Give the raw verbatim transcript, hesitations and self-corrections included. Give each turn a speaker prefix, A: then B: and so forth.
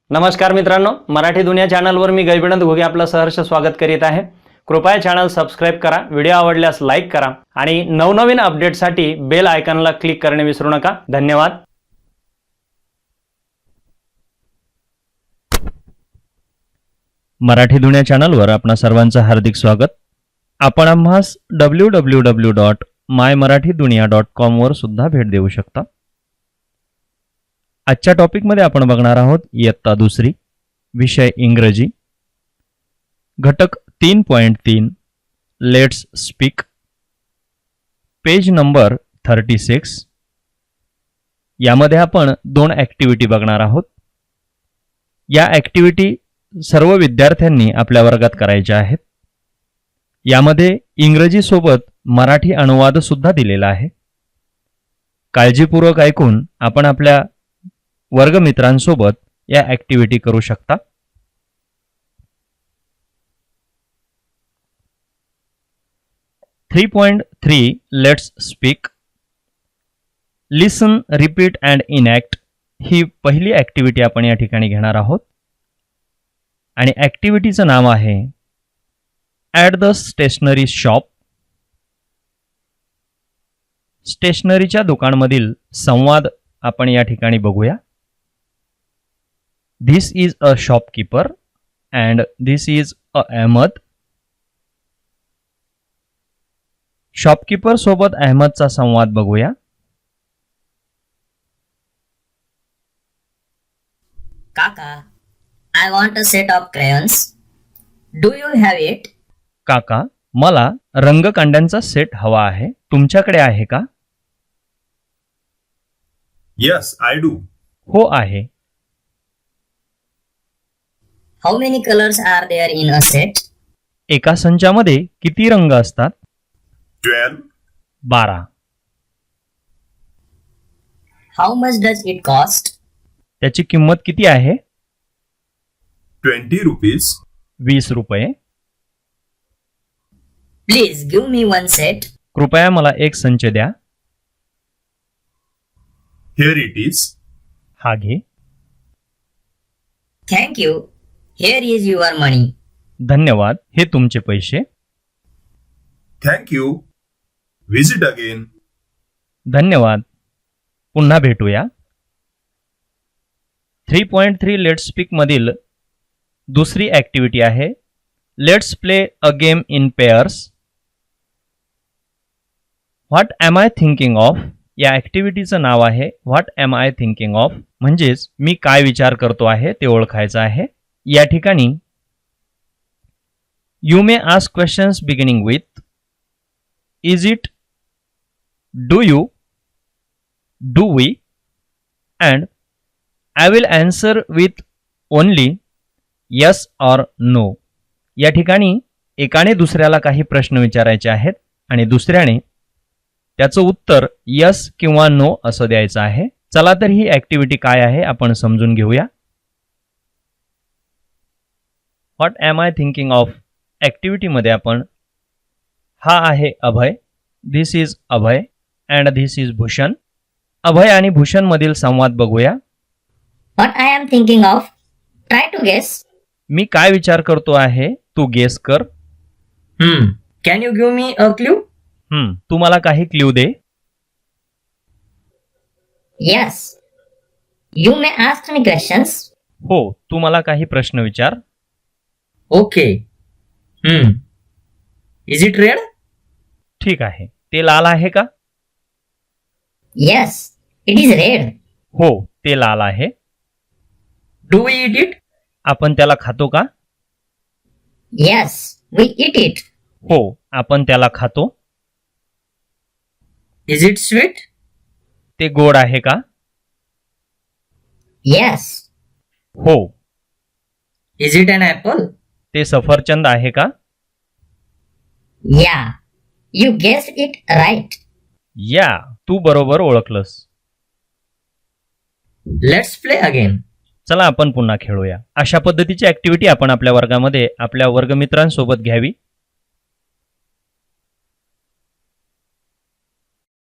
A: नमस्कार मित्रांनो, मराठी दुनिया चॅनलवर मी गैबिनंद घोगे आपलं सहर्ष स्वागत करीत आहे। कृपया चॅनल सबस्क्राइब करा, व्हिडिओ आवडल्यास लाईक करा आणि नवनवीन अपडेटसाठी बेल आयकॉनला क्लिक करणे विसरू नका। धन्यवाद।
B: मराठी दुनिया चॅनलवर आपणा सर्वांचं हार्दिक स्वागत। आपण आम्हास W W W dot my Marathi Duniya dot com वर सुद्धा भेट देऊ शकता। आजच्या टॉपिक मध्ये आपण बघणार आहोत इयत्ता दुसरी, विषय इंग्रजी, घटक तीन पॉइंट तीन, let's speak, page number thirty six. यामध्ये आपण दोन ॲक्टिव्हिटी बघणार आहोत। या ॲक्टिव्हिटी सर्व विद्यार्थ्यांनी आपल्या वर्गात करायच्या आहेत। यामध्ये इंग्रजी सोबत मराठी अनुवाद सुद्धा दिलेला आहे। काळजीपूर्वक ऐकून आपण आपल्या वर्गमित्रांसोबत या ॲक्टिव्हिटी करू शकता। Three point three let's speak, listen, repeat and enact ही पहिली ॲक्टिव्हिटी आपण या ठिकाणी घेणार आहोत। आणि ॲक्टिव्हिटीचं नाव आहे ॲट द स्टेशनरी शॉप। स्टेशनरीच्या दुकानमधील संवाद आपण या ठिकाणी बघूया। This is a shopkeeper and this is a Ahmad. Shopkeeper सोबत अहमदचा संवाद बघूया।
C: Kaka, I want a set of crayons. Do you have it?
B: काका, मला रंगकांड्यांचा सेट हवा आहे, तुमच्याकडे आहे का?
D: Yes, I do.
B: हो आहे।
C: How many colors are there in a set?
B: एका संचामध्ये किती रंग असतात?
D: Twelve.
B: बारा।
C: How much does it cost?
B: त्याची किंमत किती आहे?
D: Twenty rupees.
B: वीस रुपये।
C: Please give me one set.
B: कृपया मला एक संच द्या।
D: Here it is.
B: हा घे।
C: Thank you. Here is your money.
B: धन्यवाद, हे तुमचे पैसे।
D: Thank you. Visit again.
B: धन्यवाद, पुन्हा भेटूया। Three point three let's speak मधील दुसरी ॲक्टिव्हिटी आहे let's play a game in pairs. What am I thinking of या ॲक्टिव्हिटीचं नाव आहे what am I thinking of, म्हणजेच मी काय विचार करतो आहे ते ओळखायचं आहे। या ठिकाणी you may ask questions beginning with is it, do you, do we and I will answer with only yes or no. या ठिकाणी एकाने दुसऱ्याला काही प्रश्न विचारायचे आहेत आणि दुसऱ्याने त्याचं उत्तर यस किंवा नो असं द्यायचं आहे। चला तर ही ॲक्टिव्हिटी काय आहे आपण समजून घेऊया। What am I thinking of ॲक्टिव्हिटीमध्ये आपण हा आहे Abhay, this is Abhay and this is Bhushan. Abhay आणि भूषण मधील संवाद बघूया।
C: What I am thinking of? Try to guess.
B: मी काय विचार करतो आहे तू गेस कर।
C: Hmm. Can you give me a clue?
B: हम्म तू मला काही क्ल्यू दे।
C: Yes. You may ask me questions.
B: हो, तू मला काही प्रश्न विचार।
C: Okay. Hmm. Is it red?
B: ठीक आहे, ते लाल आहे का?
C: Yes. It is red.
B: हो, ते लाल आहे।
C: Do we eat it?
B: आपण त्याला खातो का?
C: Yes. We eat it.
B: हो, आपण त्याला खातो।
C: Is it sweet?
B: ते गोड आहे का?
C: Yes.
B: हो।
C: Is it an apple?
B: ते सफरचंद आहे का?
C: Yeah. You guessed it right.
B: या, तू बरोबर ओळखलंस।
C: Let's play again.
B: चला आपण पुन्हा खेळूया। अशा पद्धतीची ॲक्टिव्हिटी आपण आपल्या वर्गामध्ये आपल्या वर्गमित्रांसोबत घ्यावी।